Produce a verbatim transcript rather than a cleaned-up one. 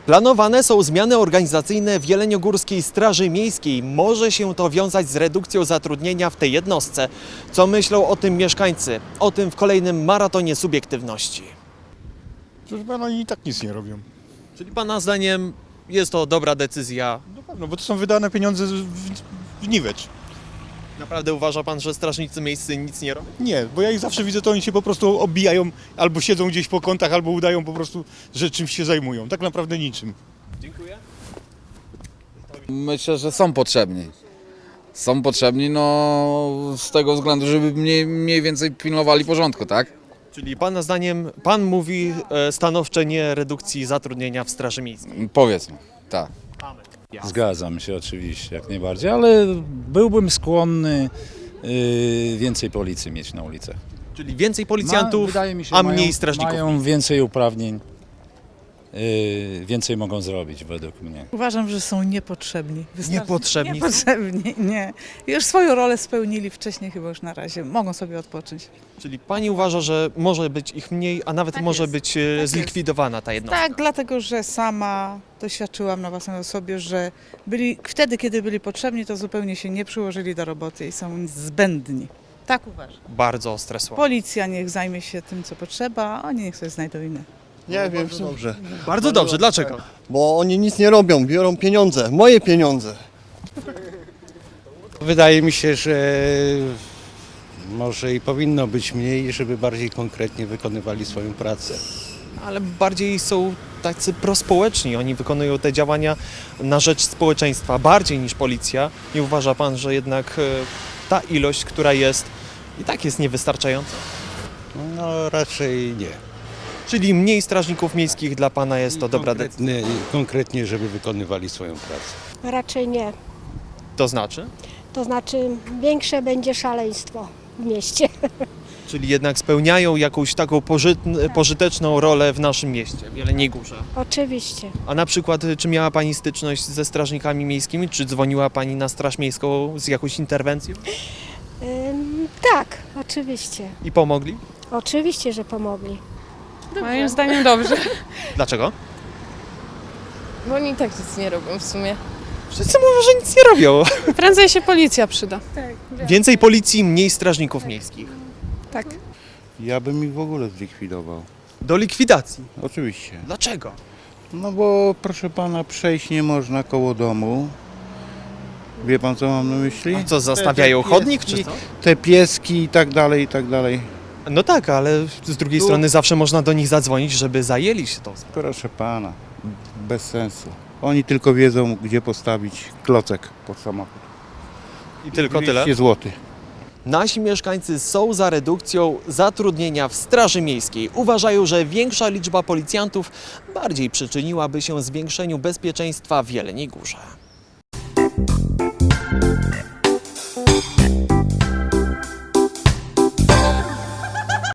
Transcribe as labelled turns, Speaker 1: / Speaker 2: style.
Speaker 1: Planowane są zmiany organizacyjne w Jeleniogórskiej Straży Miejskiej. Może się to wiązać z redukcją zatrudnienia w tej jednostce. Co myślą o tym mieszkańcy? O tym w kolejnym maratonie subiektywności.
Speaker 2: Proszę pana, oni i tak nic nie robią.
Speaker 1: Czyli Pana zdaniem jest to dobra decyzja?
Speaker 2: Na pewno, bo to są wydane pieniądze w, w niwecz.
Speaker 1: Naprawdę uważa Pan, że strażnicy miejscy nic nie robią?
Speaker 2: Nie, bo ja ich zawsze widzę, to oni się po prostu obijają, albo siedzą gdzieś po kątach, albo udają po prostu, że czymś się zajmują. Tak naprawdę niczym.
Speaker 1: Dziękuję.
Speaker 3: Myślę, że są potrzebni. Są potrzebni, no z tego względu, żeby mniej, mniej więcej pilnowali porządku, tak?
Speaker 1: Czyli Pana zdaniem, Pan mówi e, stanowcze nie redukcji zatrudnienia w Straży Miejskiej?
Speaker 3: Powiedzmy, tak.
Speaker 4: Zgadzam się oczywiście, jak najbardziej, ale byłbym skłonny yy, więcej policji mieć na ulicach.
Speaker 1: Czyli więcej
Speaker 4: Ma,
Speaker 1: policjantów,
Speaker 4: wydaje mi się,
Speaker 1: a
Speaker 4: mają,
Speaker 1: mniej strażników?
Speaker 4: Mają więcej uprawnień, yy, więcej mogą zrobić według mnie.
Speaker 5: Uważam, że są niepotrzebni. Wystarczy-
Speaker 1: Niepotrzebni są?
Speaker 5: Niepotrzebni, nie. Już swoją rolę spełnili wcześniej, chyba już na razie. Mogą sobie odpocząć.
Speaker 1: Czyli Pani uważa, że może być ich mniej, a nawet
Speaker 5: Tak
Speaker 1: może
Speaker 5: jest.
Speaker 1: być e,
Speaker 5: Tak jest.
Speaker 1: zlikwidowana ta jednostka?
Speaker 5: Tak, dlatego, że sama doświadczyłam na własnej osobie, że byli, wtedy, kiedy byli potrzebni, to zupełnie się nie przyłożyli do roboty i są zbędni. Tak uważam.
Speaker 1: Bardzo ostre słowa.
Speaker 5: Policja niech zajmie się tym, co potrzeba, a oni niech sobie znajdą inne.
Speaker 6: Nie wiem, w sumie. Dobrze.
Speaker 1: Bardzo dobrze, dlaczego?
Speaker 6: Bo oni nic nie robią, biorą pieniądze, moje pieniądze.
Speaker 7: Wydaje mi się, że może i powinno być mniej, żeby bardziej konkretnie wykonywali swoją pracę.
Speaker 1: Ale bardziej są tacy prospołeczni. Oni wykonują te działania na rzecz społeczeństwa bardziej niż policja. Nie uważa Pan, że jednak e, ta ilość, która jest, i tak jest niewystarczająca?
Speaker 7: No raczej nie.
Speaker 1: Czyli mniej strażników miejskich dla Pana jest to dobra decyzja?
Speaker 7: Konkretnie, konkretnie, żeby wykonywali swoją pracę.
Speaker 8: Raczej nie.
Speaker 1: To znaczy?
Speaker 8: To znaczy większe będzie szaleństwo w mieście.
Speaker 1: Czyli jednak spełniają jakąś taką pożytn- pożyteczną rolę w naszym mieście, w Jeleniej Górze.
Speaker 8: Oczywiście.
Speaker 1: A na przykład, czy miała Pani styczność ze strażnikami miejskimi? Czy dzwoniła Pani na Straż Miejską z jakąś interwencją?
Speaker 8: Ym, tak, oczywiście.
Speaker 1: I pomogli?
Speaker 8: Oczywiście, że pomogli.
Speaker 9: Moim zdaniem dobrze,
Speaker 1: Dlaczego?
Speaker 9: bo oni i tak nic nie robią w sumie.
Speaker 1: Wszyscy mówią, że nic nie robią.
Speaker 9: Prędzej się policja przyda.
Speaker 1: Więcej policji, mniej strażników miejskich.
Speaker 9: Tak.
Speaker 10: Ja bym ich w ogóle zlikwidował.
Speaker 1: Do likwidacji.
Speaker 10: Oczywiście.
Speaker 1: Dlaczego?
Speaker 10: No bo proszę pana, przejść nie można koło domu. Wie pan, co mam na myśli?
Speaker 1: A co, zastawiają
Speaker 10: Te
Speaker 1: chodnik,
Speaker 10: pieski,
Speaker 1: czy co?
Speaker 10: Te pieski i tak dalej, i tak dalej.
Speaker 1: No tak, ale z drugiej
Speaker 10: Tu-
Speaker 1: strony zawsze można do nich zadzwonić, żeby zajęli się tą sprawą.
Speaker 10: Proszę pana, bez sensu. Oni tylko wiedzą, gdzie postawić klocek pod samochód.
Speaker 1: I tylko tyle.
Speaker 10: dwieście złotych.
Speaker 1: Nasi mieszkańcy są za redukcją zatrudnienia w Straży Miejskiej. Uważają, że większa liczba policjantów bardziej przyczyniłaby się zwiększeniu bezpieczeństwa w Jeleniej Górze.